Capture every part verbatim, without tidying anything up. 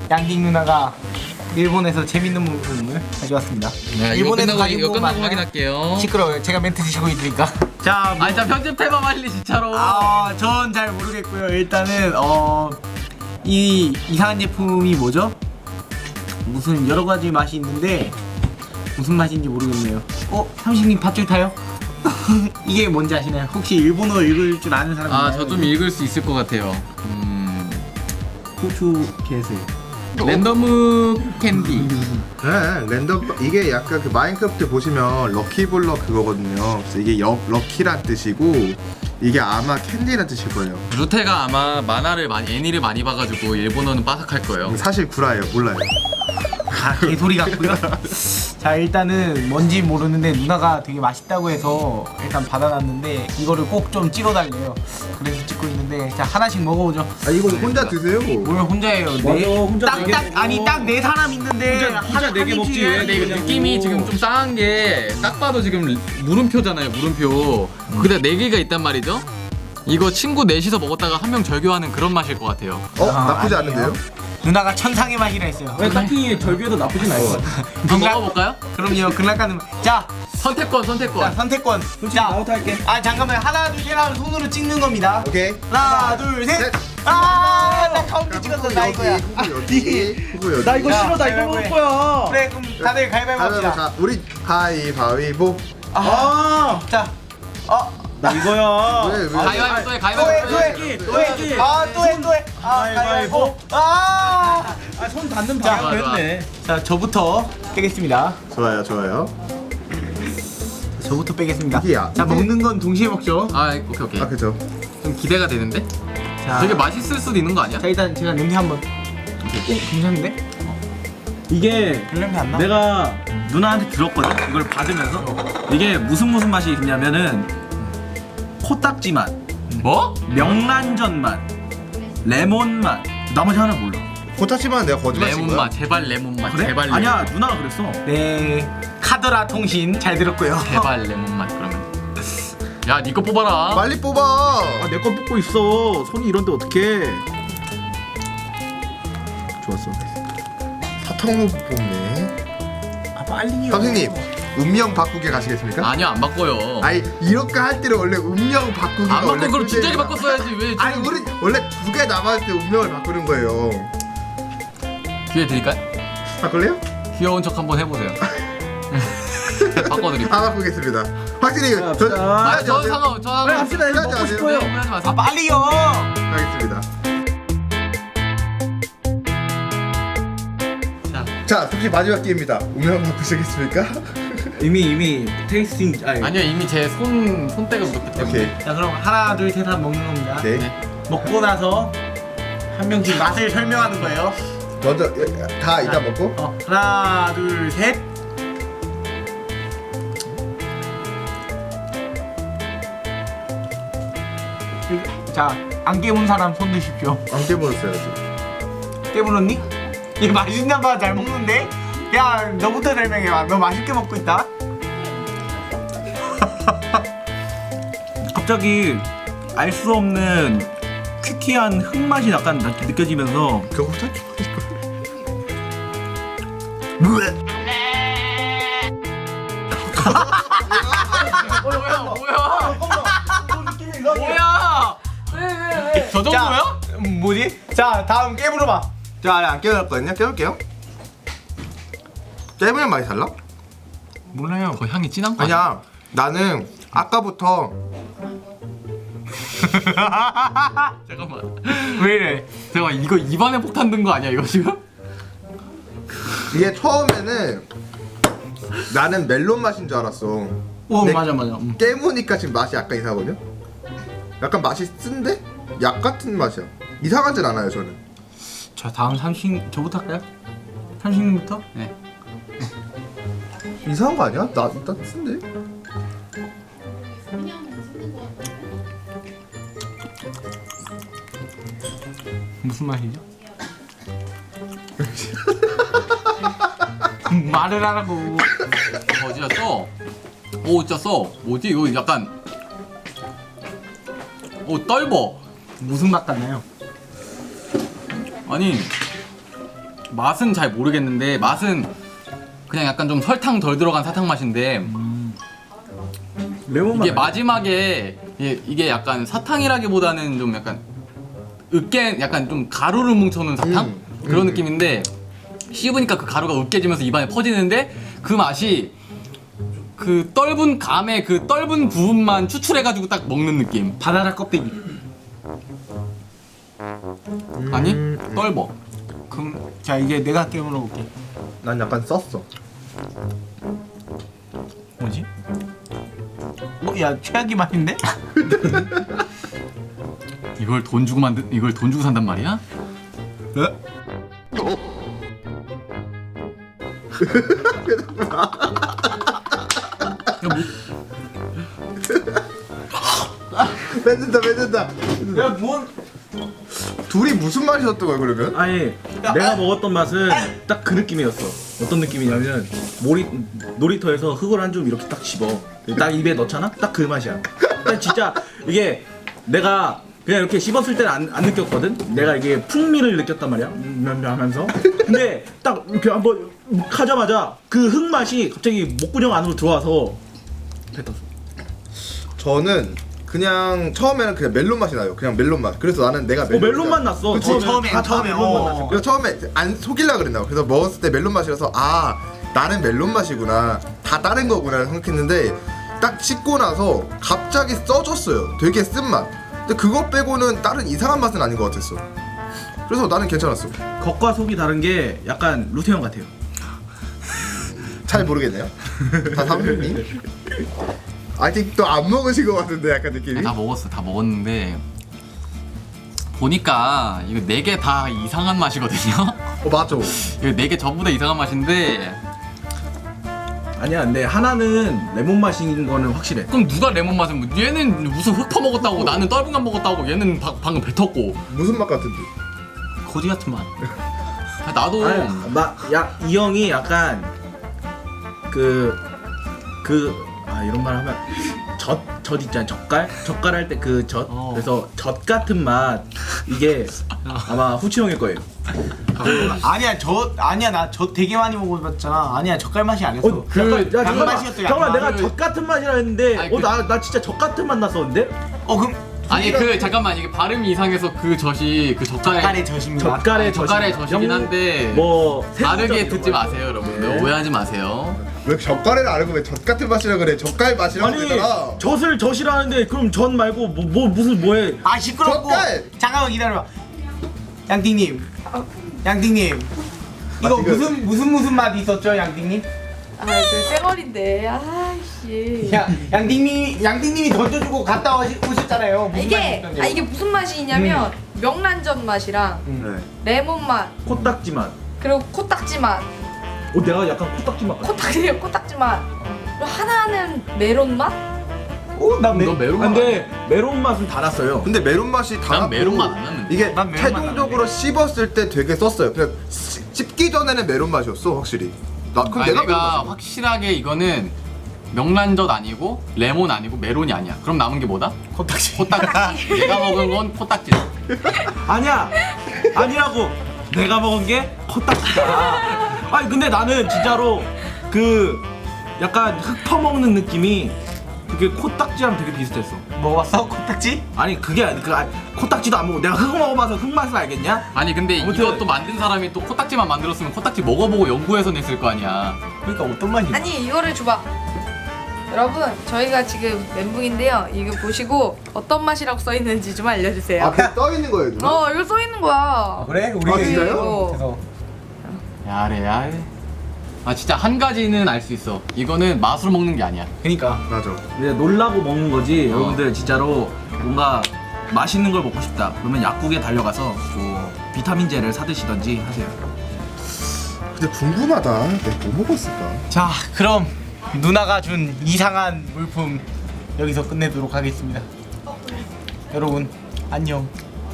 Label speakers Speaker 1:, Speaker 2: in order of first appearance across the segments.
Speaker 1: 양딩 누나가 일본에서 재밌는 부분을 가져왔습니다.
Speaker 2: 네, 이거 끝나고 이거 끝나고 확인할게요.
Speaker 1: 시끄러워요. 제가 멘트 드시고 있으니까. 자, 뭐,
Speaker 2: 아, 자 편집해봐 빨리 진짜로.
Speaker 1: 아, 전 잘 모르겠고요. 일단은 어, 이 이상한 제품이 뭐죠? 무슨 여러 가지 맛이 있는데 무슨 맛인지 모르겠네요. 어, 삼식님 밧줄 타요? 이게 뭔지 아시나요? 혹시 일본어 읽을 줄 아는 사람 있나요?
Speaker 2: 아, 저 좀 읽을 수 있을 것 같아요. 음,
Speaker 1: 고추 개슬.
Speaker 2: 랜덤 캔디.
Speaker 3: 네, 랜덤 이게 약간 그 마인크래프트 보시면 럭키블럭 그거거든요. 그래서 이게 여, 럭키란 뜻이고 이게 아마 캔디란 뜻일 거예요.
Speaker 2: 루테가 아마 만화를 많이 애니를 많이 봐가지고 일본어는 빠삭할 거예요.
Speaker 3: 사실 구라예요, 몰라요.
Speaker 1: 아, 개소리 같고요. 자, 일단은 뭔지 모르는데 누나가 되게 맛있다고 해서 일단 받아놨는데 이거를 꼭 좀 찍어달래요. 그래서 찍고 있는데 자, 하나씩 먹어보죠.
Speaker 3: 아 이거 혼자 드세요.
Speaker 1: 뭘 혼자예요? 네?
Speaker 4: 혼자
Speaker 1: 딱,
Speaker 4: 네 개
Speaker 1: 딱,
Speaker 4: 먹어.
Speaker 1: 아니 딱 네 사람 있는데
Speaker 4: 혼자- 혼자 네개
Speaker 1: 한
Speaker 4: 먹지,
Speaker 1: 입씩
Speaker 4: 왜
Speaker 1: 해야지.
Speaker 2: 근데 이거 느낌이 지금 좀 싸한 게 딱 봐도 지금 물음표잖아요, 물음표. 근데 네 개가 있단 말이죠. 이거 친구 넷이서 먹었다가 한 명 절교하는 그런 맛일 것 같아요.
Speaker 3: 어
Speaker 1: 아,
Speaker 3: 나쁘지
Speaker 1: 아니에요.
Speaker 3: 않은데요?
Speaker 1: 누나가 천상의 맛이라 했어요.
Speaker 4: 왜 딱히 절규도 나쁘진 않을 것 같아.
Speaker 2: 한번 먹어볼까요?
Speaker 1: 그럼요. 극락가는 자,
Speaker 2: 선택권,
Speaker 1: 자
Speaker 2: 선택권.
Speaker 1: 선택권.
Speaker 4: 솔직히
Speaker 1: 자,
Speaker 4: 나부터 할게.
Speaker 1: 아 잠깐만 하나 둘 셋 하면 손으로 찍는 겁니다.
Speaker 3: 오케이.
Speaker 1: 하나 둘 셋.
Speaker 3: 셋.
Speaker 1: 아, 나 카운트 찍었어. 나 이거야.
Speaker 3: 후보 여기, 후보 여기.
Speaker 4: 나 이거
Speaker 1: 야,
Speaker 4: 싫어, 나 이거
Speaker 1: 가위바위보
Speaker 4: 먹을
Speaker 1: 해.
Speaker 4: 거야.
Speaker 1: 그래, 그럼 다들 가위바위보
Speaker 3: 가위바위보
Speaker 1: 합시다.
Speaker 3: 가. 우리 가위바위보.
Speaker 4: 아,
Speaker 1: 자, 어,
Speaker 4: 나 이거야.
Speaker 3: 왜, 왜?
Speaker 2: 가위바위보 또 해,
Speaker 1: 또 해,
Speaker 2: 가위바위보
Speaker 1: 또
Speaker 2: 또
Speaker 1: 해,
Speaker 2: 해.
Speaker 1: 또 해, 아, 또 해, 또 해. 아, 가위바위보. 아,
Speaker 4: 아, 손 닿는
Speaker 1: 자,
Speaker 4: 방향
Speaker 2: 좋아,
Speaker 4: 됐네.
Speaker 1: 자, 저부터 빼겠습니다.
Speaker 3: 좋아요, 좋아요.
Speaker 1: 저부터 빼겠습니다.
Speaker 3: 이게 야-
Speaker 1: 자,
Speaker 3: 이게-
Speaker 1: 먹는 건 동시에 먹죠.
Speaker 2: 아, 오케이 오케이.
Speaker 3: 아 그죠.
Speaker 2: 좀 기대가 되는데?
Speaker 1: 자,
Speaker 2: 되게 맛있을 수도 있는 거 아니야?
Speaker 1: 자, 일단 제가 냄새 한번. 오, 괜찮은데?
Speaker 4: 이게
Speaker 1: 별 냄새 안 나?
Speaker 4: 내가 누나한테 들었거든. 이걸 받으면서 이게 무슨 무슨 맛이 있냐면은 코딱지 맛,
Speaker 2: 뭐?
Speaker 4: 명란젓 맛, 레몬 맛. 나머지 하나 몰라.
Speaker 3: 코타치만 내가 거짓말 친
Speaker 2: 레몬
Speaker 3: 거야?
Speaker 2: 맛, 제발 레몬 맛,
Speaker 4: 그래?
Speaker 2: 제발 레몬.
Speaker 4: 아니야, 누나가 그랬어.
Speaker 1: 네, 카더라 통신 잘 들었고요.
Speaker 2: 제발 레몬 맛 그러면. 야, 니 거 뽑아라.
Speaker 3: 빨리 뽑아.
Speaker 4: 아, 내 거 뽑고 있어. 손이 이런데 어떡해. 좋았어.
Speaker 3: 사탕으로 뽑네.
Speaker 1: 아, 빨리요.
Speaker 3: 선생님 운명 바꾸기 가시겠습니까?
Speaker 2: 아니요, 안 바꿔요.
Speaker 3: 아니 이렇게 할 때는 원래 운명 바꾸기가
Speaker 2: 안
Speaker 3: 원래
Speaker 2: 바꿔 그럼 진작에
Speaker 3: 꿀잼이야.
Speaker 2: 바꿨어야지 왜? 지금
Speaker 3: 아니 우리 원래 두 개 남았을 때 운명을 바꾸는 거예요.
Speaker 2: 기회 드릴까요?
Speaker 3: 바꿀래요?
Speaker 2: 귀여운 척 한번 해보세요. 바꿔드릴게요.
Speaker 3: 아 바꾸겠습니다. 확실히
Speaker 4: 자,
Speaker 3: 저
Speaker 4: 자.
Speaker 2: 아,
Speaker 3: 하지
Speaker 2: 저
Speaker 3: 마세요.
Speaker 2: 상관, 저
Speaker 4: 빨리
Speaker 2: 상관.
Speaker 4: 합시다. 이거
Speaker 3: 하지
Speaker 4: 먹고
Speaker 3: 마세요.
Speaker 4: 싶어요.
Speaker 2: 하지 마세요.
Speaker 1: 아, 빨리요.
Speaker 3: 하겠습니다.
Speaker 2: 자,
Speaker 3: 자, 혹시 마지막 기회입니다. 운명 바꾸시겠습니까?
Speaker 4: 이미 이미 테이스팅 아니,
Speaker 2: 아니요, 이미 제 손 손때가 묻었기 때문에.
Speaker 3: 오케이.
Speaker 1: 자, 그럼 하나 둘 셋 하면 먹는 겁니다.
Speaker 3: 오케이.
Speaker 2: 네.
Speaker 1: 먹고 나서 한 명씩 맛을 설명하는 거예요.
Speaker 3: 먼저 다 이따 먹고.
Speaker 1: 어, 하나 둘 셋. 자, 안 깨문 사람 손 드십시오.
Speaker 3: 안 깨물었어야지.
Speaker 1: 깨물었니? 얘 맛있나 봐. 잘 먹는데? 야, 너부터 설명해봐. 너 맛있게 먹고 있다?
Speaker 4: 갑자기 알 수 없는 퀴퀴한 흙맛이 약간 나- 느껴지면서
Speaker 3: 그거 혼자
Speaker 2: 어, 뭐야, 뭐야? 뭐야? 왜, 왜, 왜? 저 정도야?
Speaker 1: 음, 뭐지? 자, 다음 깨물어봐.
Speaker 3: 자, 안 깨물었거든요. 깨울게요. 깨물면 많이 달라?
Speaker 1: 몰라요.
Speaker 2: 더 향이 진한 거 아니야?
Speaker 3: 아니야. 나는 아까부터
Speaker 2: 잠깐만.
Speaker 1: 왜 이래?
Speaker 2: 잠깐만, 이거 입안에 폭탄 든 거 아니야, 이거 지금?
Speaker 3: 이게 처음에는 나는 멜론 맛인 줄 알았어.
Speaker 1: 오,
Speaker 3: 네.
Speaker 1: 맞아, 맞아. 음.
Speaker 3: 깨무니까 지금 맛이 약간 이상하거든요. 약간 맛이 쓴데 약 같은 맛이야. 이상하진 않아요 저는.
Speaker 1: 자, 다음 삼식 저부터 할까요? 삼식님부터?
Speaker 2: 네.
Speaker 3: 이상한 거 아니야? 나 일단 쓴데.
Speaker 1: 무슨 맛이죠? 말을 하라고.
Speaker 2: 어, 진짜 써. 오, 진짜 써. 뭐지? 이거 약간. 오, 떫어.
Speaker 1: 무슨 맛 같나요?
Speaker 2: 아니, 맛은 잘 모르겠는데 맛은 그냥 약간 좀 설탕 덜 들어간 사탕 맛인데
Speaker 4: 레몬 맛.
Speaker 2: 이게 마지막에 이게, 이게 약간 사탕이라기보다는 좀 약간 으깨 약간 좀 가루를 뭉쳐놓은 사탕
Speaker 3: 음,
Speaker 2: 그런
Speaker 3: 음.
Speaker 2: 느낌인데 씹으니까 그 가루가 으깨지면서 입안에 퍼지는데 그 맛이 그 떫은 감의 그 떫은 부분만 추출해가지고 딱 먹는 느낌.
Speaker 1: 바나나 껍데기.
Speaker 2: 아니
Speaker 3: 음.
Speaker 2: 떫어.
Speaker 1: 그럼 자 이제 내가 깨물어 볼게.
Speaker 3: 난 약간 썼어.
Speaker 1: 뭐지? 어, 야 최악의 맛인데?
Speaker 2: 이걸 돈 주고 만든 이걸 돈 주고 산단 말이야?
Speaker 1: 네?
Speaker 3: 뱉는다 뱉는다.
Speaker 1: 야뭔
Speaker 3: 둘이 무슨 맛이었던 거야 그러면?
Speaker 4: 아니 내가 먹었던 맛은 딱 그 느낌이었어. 어떤 느낌이냐면 모리, 놀이터에서 흙을 한 줌 이렇게 딱 집어 딱 입에 넣잖아? 딱 그 맛이야. 딱 진짜 이게 내가 그냥 이렇게 씹었을 때는 안, 안 느꼈거든? 내가 이게 풍미를 느꼈단 말이야 음, 하면서 근데 딱 이렇게 한번 하자마자 그 흙 맛이 갑자기 목구멍 안으로 들어와서 뱉었어.
Speaker 3: 저는 그냥 처음에는 그냥 멜론 맛이 나요. 그냥 멜론 맛. 그래서 나는 내가
Speaker 4: 어, 멜론 맛 났어.
Speaker 3: 그치?
Speaker 4: 처음에
Speaker 1: 처음에,
Speaker 4: 다, 다
Speaker 1: 처음에,
Speaker 4: 멜론 맛
Speaker 1: 어.
Speaker 4: 났어.
Speaker 3: 그래서 처음에 안 속일라 그랬나. 그래서 먹었을 때 멜론 맛이라서 아 나는 멜론 맛이구나. 다 다른 거구나 생각했는데 딱 씹고 나서 갑자기 써졌어요. 되게 쓴 맛. 근데 그거 빼고는 다른 이상한 맛은 아닌 것 같았어. 그래서 나는 괜찮았어.
Speaker 4: 겉과 속이 다른 게 약간 루테온 같아요.
Speaker 3: 잘 모르겠네요. 다 사부님. 아직도 안 먹으신 것 같은데 약간 느낌이.
Speaker 2: 다 먹었어 다 먹었는데 보니까 이거 네 개 다 이상한 맛이거든요.
Speaker 3: 어 맞아.
Speaker 2: 이거 네 개 전부 다 이상한 맛인데
Speaker 4: 아니야, 근데 하나는 레몬 맛인 거는 확실해.
Speaker 2: 그럼 누가 레몬 맛은 뭐- 얘는 무슨 흙 퍼먹었다고 나는 떫은 감 먹었다고 얘는 바, 방금 뱉었고
Speaker 3: 무슨 맛 같은데?
Speaker 1: 거지 같은 맛.
Speaker 2: 아, 나도
Speaker 4: 아니, 나, 야, 이 형이 약간 그, 그, 아, 이런 말 하면 젖, 젖 있잖아, 젓갈? 젓갈 할 때 그 젖.
Speaker 1: 어.
Speaker 4: 그래서 젖 같은 맛, 이게 아마 후치 형일 거예요.
Speaker 1: 아니야 저 아니야 나 저 되게 많이 먹어봤잖아. 아니야 젓갈 맛이 아니었어.
Speaker 4: 어, 그, 야,
Speaker 1: 양
Speaker 4: 잠깐만,
Speaker 1: 맛이었어, 양
Speaker 4: 잠깐만,
Speaker 1: 맛.
Speaker 4: 내가 젖 같은 맛이라 했는데,
Speaker 2: 아니,
Speaker 4: 어,
Speaker 2: 그-
Speaker 4: 나, 나 진짜 젖 같은 맛 났었는데?
Speaker 1: 어 그럼
Speaker 2: 아니 그 잠깐만 이게 발음이 이상해서 그 젖이 그 젓갈에
Speaker 1: 젓갈의 젖입니다.
Speaker 4: 젓갈의
Speaker 2: 젓갈의
Speaker 4: 젖이-
Speaker 2: 젖이긴
Speaker 4: 영-
Speaker 2: 한데
Speaker 4: 뭐,
Speaker 2: 다르게
Speaker 4: 새우젓
Speaker 2: 듣지
Speaker 4: 이런 거.
Speaker 2: 마세요 여러분들.
Speaker 4: 네.
Speaker 2: 오해하지 마세요.
Speaker 3: 왜 젓갈을 안 하고 왜 젓 같은 맛이라 그래? 젓갈 맛이라고
Speaker 4: 아니,
Speaker 3: 그러잖아.
Speaker 4: 젖을 젖이라는데, 그럼 젖 말고, 뭐, 뭐 무슨, 뭐해.
Speaker 1: 아 시끄럽고.
Speaker 3: 젓갈!
Speaker 1: 잠깐만 기다려봐. 양띵님, 양띵님. 이거
Speaker 3: 아, 지금-
Speaker 1: 무슨 무슨 무슨 맛이 있었죠, 양띵님?
Speaker 5: 아, 저 쌩얼인데. 아이씨.
Speaker 1: 야, 양띵님이 양띵님이 던져주고 갔다 오시, 오셨잖아요. 무슨
Speaker 5: 이게
Speaker 1: 맛이 있었냐고.
Speaker 5: 아 이게 무슨 맛이냐면 명란젓 맛이랑
Speaker 3: 네.
Speaker 5: 레몬 맛
Speaker 4: 코딱지 맛.
Speaker 5: 그리고 코딱지 맛
Speaker 4: 어, 내가 약간 코딱지 맛 같아.
Speaker 5: 코딱지 코딱지 맛 그리고 하나는 메론 맛?
Speaker 1: 오, 난
Speaker 2: 너
Speaker 1: 매.
Speaker 2: 메론
Speaker 4: 아,
Speaker 2: 맛
Speaker 4: 근데 메론 맛은 달았어요.
Speaker 3: 근데 메론 맛이 다.
Speaker 2: 난 메론 맛 안 났는데.
Speaker 3: 이게
Speaker 1: 난 메론 맛
Speaker 3: 최종적으로 씹었을 때 되게 썼어요. 그냥 씹- 씹기 전에는 메론 맛이었어 확실히. 나 그럼
Speaker 2: 아니,
Speaker 3: 내가
Speaker 2: 내가
Speaker 3: 메론 맛이야.
Speaker 2: 확실하게 이거는 명란젓 아니고 레몬 아니고 메론이 아니야. 그럼 남은 게 뭐다?
Speaker 1: 코딱지.
Speaker 2: 코딱지. 내가 먹은 건 코딱지.
Speaker 4: 아니야, 아니라고. 내가 먹은 게 코딱지다. 아니 근데 나는 진짜로 그 약간 흙 퍼먹는 느낌이 그게 코딱지랑 되게 비슷했어.
Speaker 1: 먹어봤어, 코딱지?
Speaker 4: 아니 그게 아니 그 아니, 코딱지도 안 먹고 내가 흙 먹어봐서 흙 맛을 알겠냐?
Speaker 2: 아니 근데
Speaker 4: 아무튼-
Speaker 2: 이것도 만든 사람이 또 코딱지만 만들었으면 코딱지 먹어보고 연구해서 냈을 거 아니야.
Speaker 1: 그러니까 어떤 맛이?
Speaker 5: 아니 이거를 줘봐. 여러분 저희가 지금 멘붕인데요. 이거 보시고 어떤 맛이라고 써 있는지 좀 알려주세요.
Speaker 3: 앞에 떠 있는 거예요, 누나?
Speaker 5: 어 이거 써 있는 거야.
Speaker 1: 그래? 우리
Speaker 3: 아, 진짜요?
Speaker 5: 어.
Speaker 2: 야래 야래. 아 진짜 한 가지는 알 수 있어. 이거는 맛으로 먹는 게 아니야.
Speaker 1: 그러니까
Speaker 3: 맞아.
Speaker 4: 이제 놀라고 먹는 거지.
Speaker 2: 어.
Speaker 4: 여러분들 진짜로 뭔가 맛있는 걸 먹고 싶다. 그러면 약국에 달려가서 뭐 비타민제를 사드시던지 하세요.
Speaker 3: 근데 궁금하다. 내가 뭐 먹었을까?
Speaker 1: 자, 그럼 누나가 준 이상한 물품 여기서 끝내도록 하겠습니다. 여러분 안녕.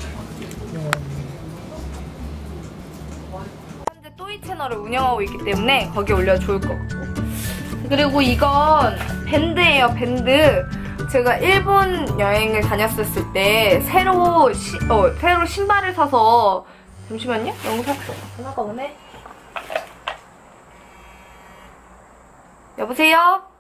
Speaker 5: 현재 또이 채널을 운영하고 있기 때문에 거기에 올려 좋을 것 같고 그리고 이건 밴드예요 밴드 제가 일본 여행을 다녔었을 때 새로 시, 어, 새로 신발을 사서 잠시만요. 영상 전화가 오네. 여보세요?